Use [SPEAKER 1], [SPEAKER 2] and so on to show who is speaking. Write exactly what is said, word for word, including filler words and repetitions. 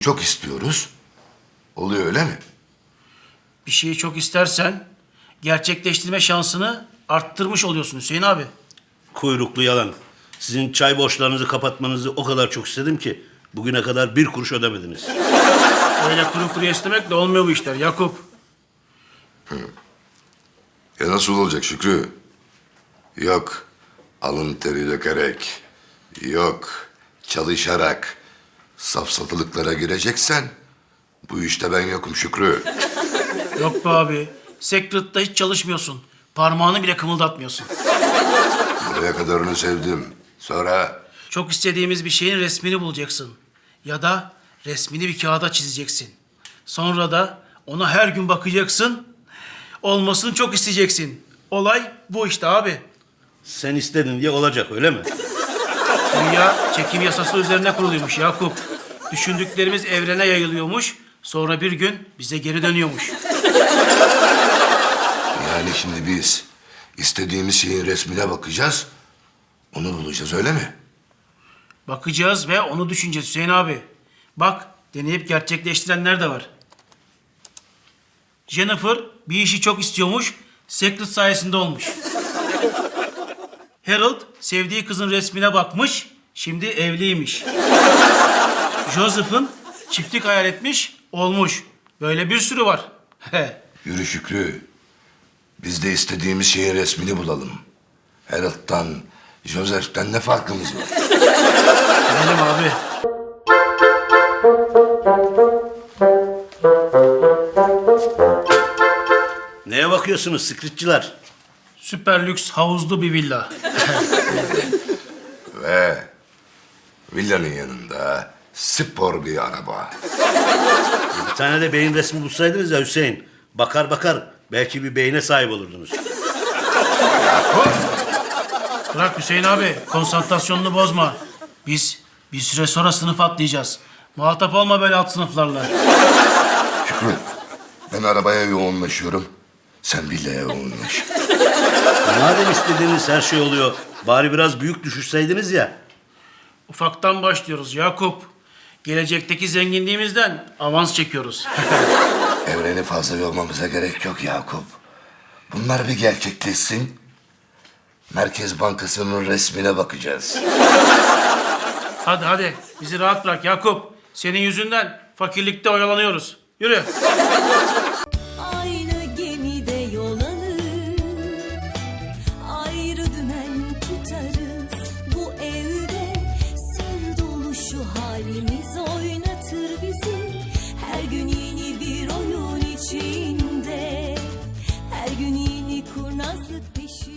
[SPEAKER 1] Çok istiyoruz. Oluyor öyle mi?
[SPEAKER 2] Bir şeyi çok istersen gerçekleştirme şansını arttırmış oluyorsun Hüseyin abi.
[SPEAKER 3] Kuyruklu yalan. Sizin çay borçlarınızı kapatmanızı o kadar çok istedim ki bugüne kadar bir kuruş ödemediniz.
[SPEAKER 2] Öyle kuru kuru istemekle olmuyor bu işler Yakup.
[SPEAKER 1] E nasıl olacak Şükrü? Yok alın teri dökerek, yok çalışarak safsatılıklara gireceksen bu işte ben yokum Şükrü.
[SPEAKER 2] Yok be abi. Secret'ta hiç çalışmıyorsun. Parmağını bile kımıldatmıyorsun.
[SPEAKER 1] Buraya kadarını sevdim. Sonra
[SPEAKER 2] Çok istediğimiz bir şeyin resmini bulacaksın. Ya da resmini bir kağıda çizeceksin. Sonra da ona her gün bakacaksın. Olmasını çok isteyeceksin. Olay bu işte abi.
[SPEAKER 3] Sen istedin diye olacak öyle mi?
[SPEAKER 2] Dünya çekim yasası üzerine kuruluymuş Yakup. Düşündüklerimiz evrene yayılıyormuş. Sonra bir gün bize geri dönüyormuş.
[SPEAKER 1] yani şimdi biz istediğimiz şeyin resmine bakacağız. Onu bulacağız öyle mi?
[SPEAKER 2] Bakacağız ve onu düşüneceğiz Hüseyin abi. Bak deneyip gerçekleştirenler de var. Jennifer bir işi çok istiyormuş. Secret sayesinde olmuş. Harold sevdiği kızın resmine bakmış. Şimdi evliymiş. Joseph'ın çiftlik hayal etmiş. Olmuş. Böyle bir sürü var.
[SPEAKER 1] Yürü Şükrü. Biz de istediğimiz şeyin resmini bulalım. Harold'dan, Joseph'ten ne farkımız var?
[SPEAKER 2] Gidelim abi.
[SPEAKER 3] Neye bakıyorsunuz sıkıtçılar?
[SPEAKER 2] Süper lüks havuzlu bir villa.
[SPEAKER 1] Ve villanın yanında spor bir araba.
[SPEAKER 3] Bir tane de beyin resmi bulsaydınız ya Hüseyin. Bakar bakar belki bir beyine sahip olurdunuz.
[SPEAKER 2] Bırak Hüseyin abi, konsantrasyonunu bozma. Biz bir süre sonra sınıf atlayacağız. Muhatap olma böyle alt sınıflarla.
[SPEAKER 1] Şükrü, ben arabaya yoğunlaşıyorum. Sen villaya yoğunlaş.
[SPEAKER 3] Madem istediğiniz her şey oluyor, bari biraz büyük düşürseydiniz ya.
[SPEAKER 2] Ufaktan başlıyoruz Yakup. Gelecekteki zenginliğimizden avans çekiyoruz.
[SPEAKER 1] Evreni fazla yormamıza gerek yok Yakup. Bunlar bir gerçekleşsin. Merkez Bankası'nın resmine bakacağız.
[SPEAKER 2] Hadi hadi, bizi rahat bırak Yakup. Senin yüzünden fakirlikte oyalanıyoruz. Yürü.
[SPEAKER 4] Aynı gemide yol alır, ayrı dümen tutarız. Bu evde sır dolu şu halimiz oynatır bizi. Her gün yeni bir oyun içinde, her gün yeni kurnazlık peşinde.